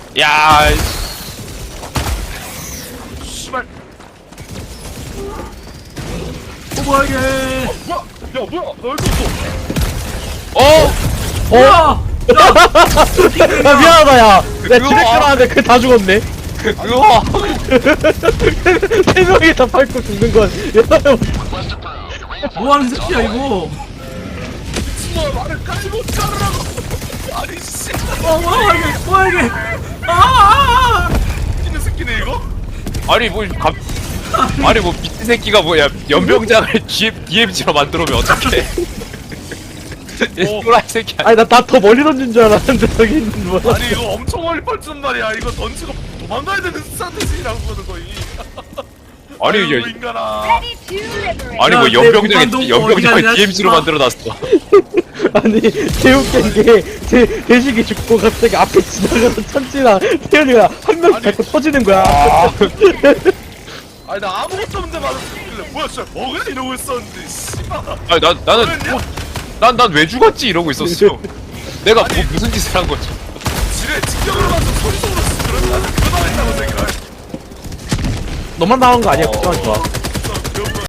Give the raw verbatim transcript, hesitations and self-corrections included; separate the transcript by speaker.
Speaker 1: 야,
Speaker 2: 씨발.
Speaker 3: 어 뭐야 이게?
Speaker 2: 뭐야? 야 뭐야? 나 여기 있어.
Speaker 1: 어,
Speaker 3: 뭐야?
Speaker 4: 야 미안하다 야. 내가
Speaker 1: 그거-
Speaker 4: 지뢰 깔았는데 그 다 죽었네.
Speaker 1: 그 그거.
Speaker 4: 세 명이 다 밟고 죽는 건.
Speaker 3: 뭐 하는 새끼야 이거?
Speaker 2: 미친놈아 말을 깔고 자르라고. 아니 씨.
Speaker 3: 어 뭐야 이게? 뭐야 이게? 아!
Speaker 2: 끼는 새끼네 이거?
Speaker 1: 아니 뭐 갑. 아니 뭐 미친 새끼가 뭐야 연병장을 디엠지로 만들어 오면 어떡해? 또라이 새끼 아니야?
Speaker 4: 아니 나 다 더 멀리 던진 줄 알았는데 저기 있는 뭐.
Speaker 2: 아니 이거 엄청 멀리 펄준 말이야. 이거 던지고 도망가야 되는 스타트지라고 보는 거이.
Speaker 1: 아니
Speaker 2: 아이고,
Speaker 1: 야,
Speaker 2: 인간아.
Speaker 5: Ready to liberate.
Speaker 1: 아니
Speaker 3: 야,
Speaker 1: 뭐
Speaker 3: 내
Speaker 1: 연병장에
Speaker 3: 무한동포
Speaker 1: 연병장을
Speaker 3: 어디가냐,
Speaker 1: 디엠지로
Speaker 3: 씨발.
Speaker 1: 만들어놨어.
Speaker 4: 아니 개웃긴 게제 대식이 죽고 갑자기 앞에 지나가서 천지랑 태연이가 한 명씩
Speaker 2: 아니.
Speaker 4: 밟고 터지는 거야.
Speaker 2: 아니 나 아무것도 없는데 맞아 죽길래 뭐야 진짜 뭐가 이러고 있었는데 씨발.
Speaker 1: 아니 나 나는
Speaker 2: 뭐였냐?
Speaker 1: 난 난 왜 죽었지 이러고 있었어. 내가 뭐
Speaker 2: 아니.
Speaker 1: 무슨 짓을 한 거지?
Speaker 2: 지뢰 직경으로 가서 소리 소리 그런 나는 그거 당했다고 생각해.
Speaker 4: 너만 나온 거 아니야? 걱정하지 마.